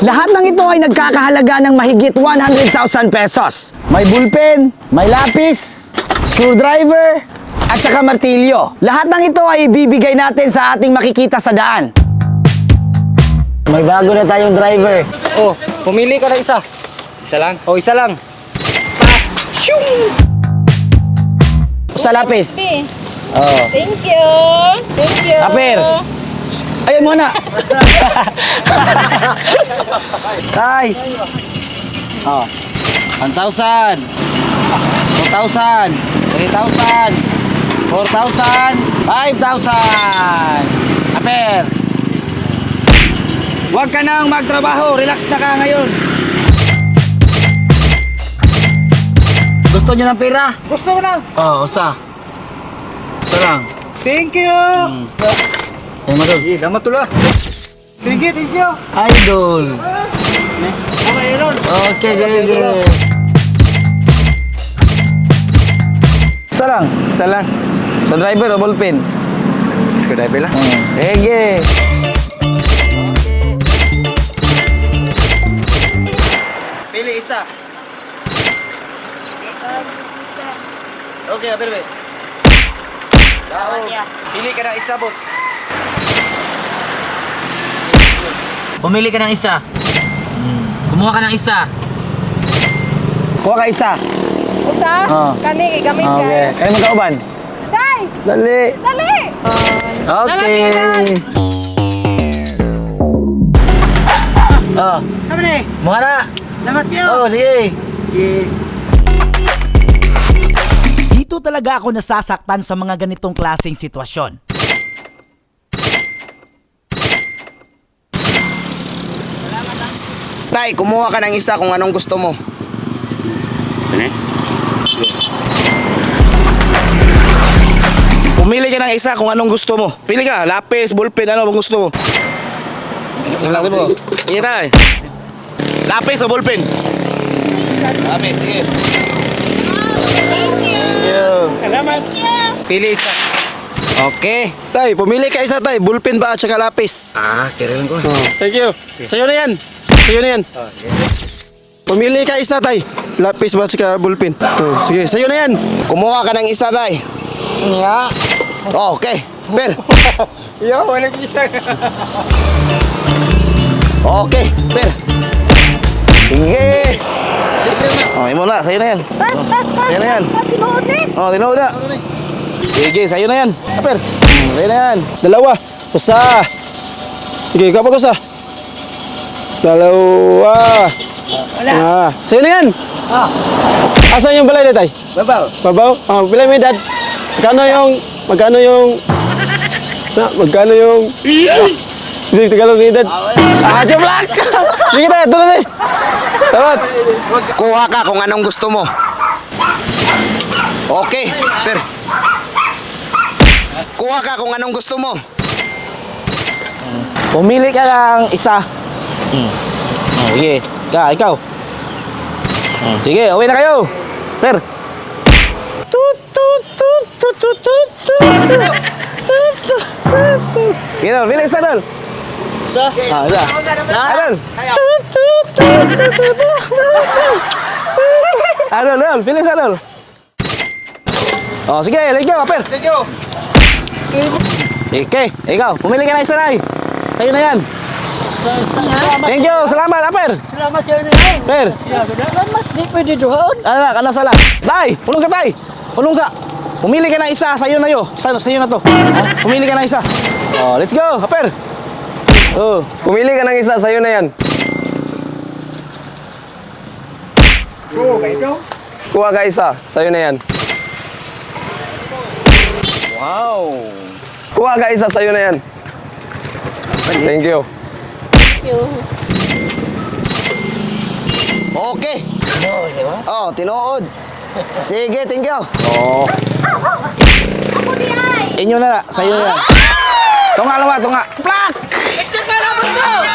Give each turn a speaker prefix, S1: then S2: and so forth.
S1: Lahat ng ito ay nagkakahalaga ng mahigit 100,000 pesos. May bullpen, may lapis, screwdriver, at saka martilyo. Lahat ng ito ay ibibigay natin sa ating makikita sa daan. May bago na tayong driver.
S2: Oh, pumili ka na isa. Isa lang? Oh, isa lang.
S1: Sa lapis. Oh.
S3: Thank you. Thank you.
S1: Aper. Ayun muna. Tay. Oh. 1,000. 2,000. 3,000. 4,000. 5,000. Aper. Huwag ka nang magtrabaho. Relax na ka ngayon. Gusto nyo ng pera?
S2: Gusto ko lang.
S1: Oo, usa. Usa lang.
S2: Thank you.
S1: Ayun mo doon.
S2: Salamat tula. Thank you, thank you.
S1: Idol.
S2: Okay, yun.
S1: Okay, sige. Isa lang.
S2: Isa lang.
S1: Sa driver o ballpen?
S2: Screwdriver lang.
S1: Sige. Pili isa. Okay, Aper. Pili ka ng isa, boss.
S4: Pumili ka ng isa. Kumuha ka ng isa.
S1: Kuha ka isa.
S3: Usa?
S1: Oh.
S3: Kani, gamit ka.
S1: Okay. Kaya magkauban.
S3: Day!
S1: Dali.
S3: Dali!
S1: Okay. Oh,
S2: Kami na eh.
S1: muha na.
S2: Salamat kayo.
S1: Oh, sige.
S5: Dito talaga ako nasasaktan sa mga ganitong klaseng sitwasyon.
S6: Tay, kumuha ka ng isa kung anong gusto mo. Pumili ka ng isa kung anong gusto mo. Pili ka, lapis, ballpen, ano bang gusto mo? Lapis mo. Iya tay. Lapis o ballpen? Lapis, sige. Thank you.
S2: Salamat. Pili isa.
S6: Okay. Tay, pumili ka isa tay. Ballpen ba at saka lapis? Ah, kirilan ko.
S2: Thank you.
S6: Sa'yo na yan. Sa'yo na yan. Pumili ka isa tay. Lapis ba at saka ballpen? Sige, sa'yo na yan. Kumuha ka ng isa tay.
S2: Yeah.
S6: Okay. Per.
S2: Yo, wala isa.
S6: Okay, Per. Sige. Oh, imo na, sa'yo na yan. Sa'yo na yan.
S3: Tinuod ni.
S6: Oh, tinood na. Sige, sa'yo na yan. Per. Sa'yo na yan. Dalawa. Usa. Sige, kapag usa. Dalawa. Ah, sa'yo na yan. Asan yung balay na tay?
S2: Babaw.
S6: Babaw? Ah, bilay mo yung dad. Magkano yung Sige, Tagalog ni dad. Jablak! Sige tayo, tulad eh. Tawad. Kuha ka kung anong gusto mo. Okay, Per. Kuha ka kung anong gusto mo. Pumili ka ng isa. Sige, ikaw. Sige, uwi na kayo. Per. Gino, pili isa doon.
S2: Isa.
S6: Isa. Adol. Adol, pili isa doon. Oh, sige, let's go, Aper.
S2: Thank you.
S6: Okay, ikaw, pumili ka na isa na eh. Sa'yo na yan. Thank you, salamat, Aper.
S2: Salamat sa inyo.
S6: Per,
S3: Salamat. Di pwede doon.
S6: ano sala? Tay, pulong sa tay. Pulong sa. Pumili ka na isa, sa'yo na yun. Sa'yo na to. Pumili ka na isa. Oh, let's go, Aper. Oh, pumili ka ng isa, sa'yo na yan.
S2: Oo, ba ikaw?
S6: Kuha ka isa, sa'yo na yan.
S2: Wow.
S6: Kuha ka isa, sa'yo na yan. Thank you.
S3: Thank you.
S6: Okay. Oh, tinuod. Sige, thank you. Oh.
S3: Ako di ay.
S6: Inyo na, sa'yo na yan. Tunga. Plak!
S3: Ito ka lang mo.